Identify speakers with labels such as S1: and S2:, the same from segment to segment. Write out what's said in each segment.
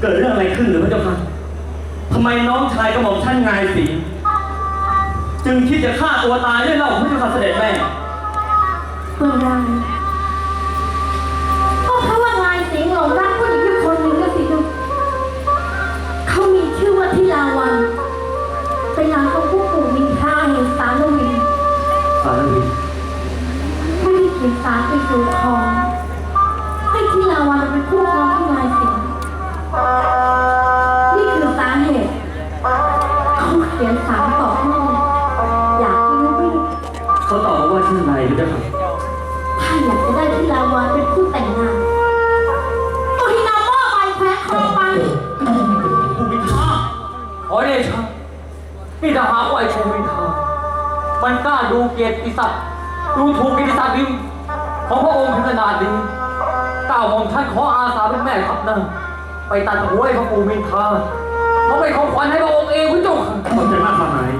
S1: เกิดเรื่องอะไรขึ้นหรือพระเจ้าค่ะทำไมน้องชายกระหม่อมท่านงายสิงจึงคิดจะฆ่าตัวตายด้วยเล่าพระเจ้าค่ะเสด็จแม่
S2: เมื่อไรก็เพราะว่านายสิงห์หลงรักผู้หญิงอยู่คนหนึ่งก็สิลูกเขามีชื่อว่าทิลาวันเป็นนางของผู้ปู่มินทราแห่งสารวินไม่ได้เขียนสารไปสู่คอให้ทิลาวันเป็นผู้ครองที่นายสิงห์นี่คือสาเหตุเขาเขียนสารต่อแม่อยากให้ลูก
S1: เขาตอบว่าชื่ออะไรพระเจ้าค่ะ
S2: ถ้าอยากจะได้ทิลาวันเป็นผู้แต่งงานตัวที่นำหม้อไปแขวนคอไป
S1: ภูมิทาขอเดชะนี่ถ้าหากว่าไอ้ภูมิทามันกล้าดูเกียรติศักดิ์ดูถูกเกียรติศักดิ์ของพระองค์ถึงขนาดนี้ก้าวของท่านขออาสาเป็นแม่ทัพนะไปตัดหัวไอ้พระภูมิทาเขาเป็นของขวัญให้พระองค์เองพระเจ้าค่ะขอบใจมากมาย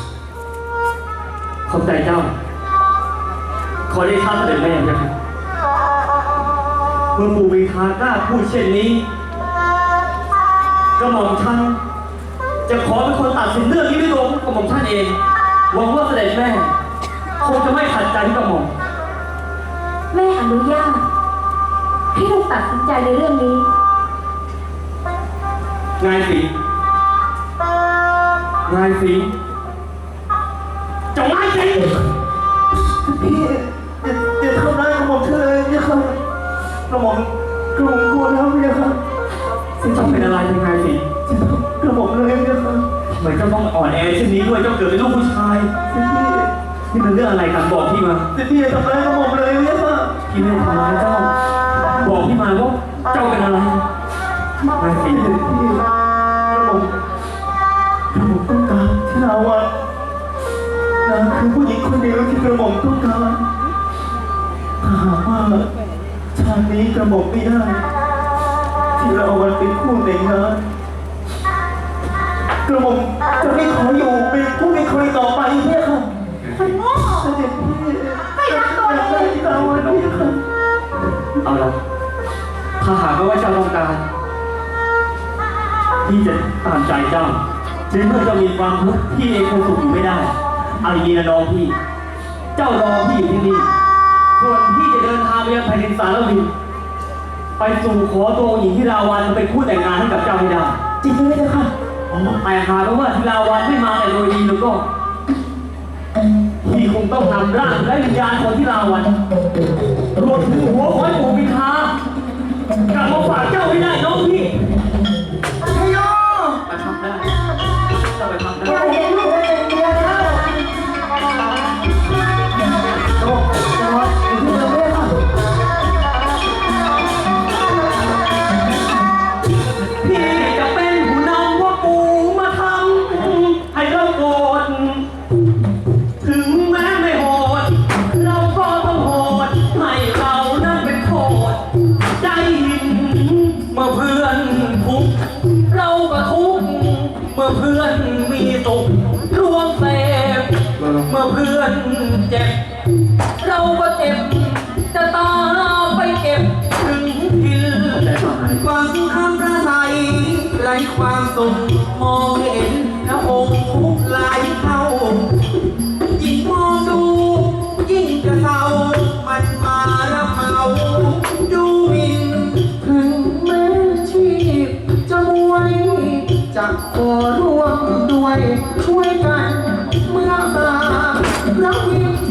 S1: ขอบใจเจ้าขอได้ข้าเสด็จแม่นะครับเมื่อภูมิทากล้าพูดเช่นนี้กระหม่อมท่านจะขอเป็นคนตัดสินเรื่องนี้ด้วยตัวกระหม่อมท่านเองหวังว่าเสด็จแม่คงจะไม่ขัดใจที่กระหม่อม
S2: แม่อนุญาตให้ลูกตัดสินใจในเรื่องนี้
S1: นายสิจงไล่สิ
S3: พี่อย่าทำร้ายกระหม่อมเธอเลยเนี่ยครับกระหม่อมกลัวแล้วเนี่ยครับ
S1: ซึ่งต้องเป็นอะไรยังไงสิ
S3: กระหม่อมเลยเนี่ยครับ
S1: เหมือนเจ้าต้องอ่อนแอเช่นนี้ด้วยเจ้าเกิดเป็นลูกผู้ชายนี่เป็นเรื่องอะไรกันบอกพี่มา
S3: พี่อย่าทำร้ายกระหม่อมเลยเนี่ยครับ
S1: พี่ไม่ทำร้ายเจ้าบอกพี่มาว่าเจ้าเป็นอะไรนายสิ
S3: พี่กระหม่อมต้องการที่เราอ่ะนางคือผู้หญิงคนเดียวที่กระหม่อมต้องการถ้าหากว่าชาตินี้กระหม่อมไม่ได้ที่เราวันเป็นคู่แต่งงานกระหม่อมจะไม่ขออยู่เป็นผู้ไม่เคยต่อไปเนี่ยค่ะ
S2: มันโง่
S3: เสด็จพี่
S2: ไม่รักตัวเอง
S3: ที่เราวันนี้ค่ะ
S1: เอาละถ้าหากว่าเจ้าต้องการพี่จะตามใจเจ้าถึงเมื่อเจ้ามีความทุกข์พี่เองคงสุขอยู่ไม่ได้เอาอย่างนี้นะน้องพี่เจ้ารอพี่อยู่ที่นี่ส่วนพี่จะเดินทางไปยังแผ่นดินสารวินไปสู่ขอตัวหญิงที่ราวันเป็นคู่แต่งงานให้กับเจ้าให้ได้
S3: จริงไหมเจ้าค่ะ
S1: แต่หากว่าที่ราวันไม่มาแต่โดยดีแล้วก็พี่คงต้องนำร่างและวิญญาณของที่ราวันรวมถึงหัวของไอ้ปู่มิทากลับมาฝากเจ้าให้ได้น้องพี่
S3: ชัยโย
S1: ไปทำได้จะไปทำได้
S3: เราเห็นลูกเป็นเมียแล้วโอ้จังหวะอยู่ที่เดิมเลยค่ะ
S1: พี่จะเป็นผู้นำว่าปู่มาทำให้เราโกรธถึงแม้ไม่โหดเราก็ต้องโหดให้เรานั้นเป็นโคตรใจหินเมื่อเพื่อนทุกข์เราก็ทุกข์เมื่อเพื่อนมีสุขร่วมเสพเมื่อเพื่อนเจ็บเราก็เจ็บจะตามไปเก็บถึงทิน
S3: ฟังคำประสัยไร้ความสุขมองเห็นพระองค์ทุกหลายเท่ายิ่งมองดูยิ่งจะเศร้ามันมาระเมาดูหมิ่นถึงแม้ชีพจะมวยจะขอร่วมด้วยช่วยกันเมื่อมาพระวิญ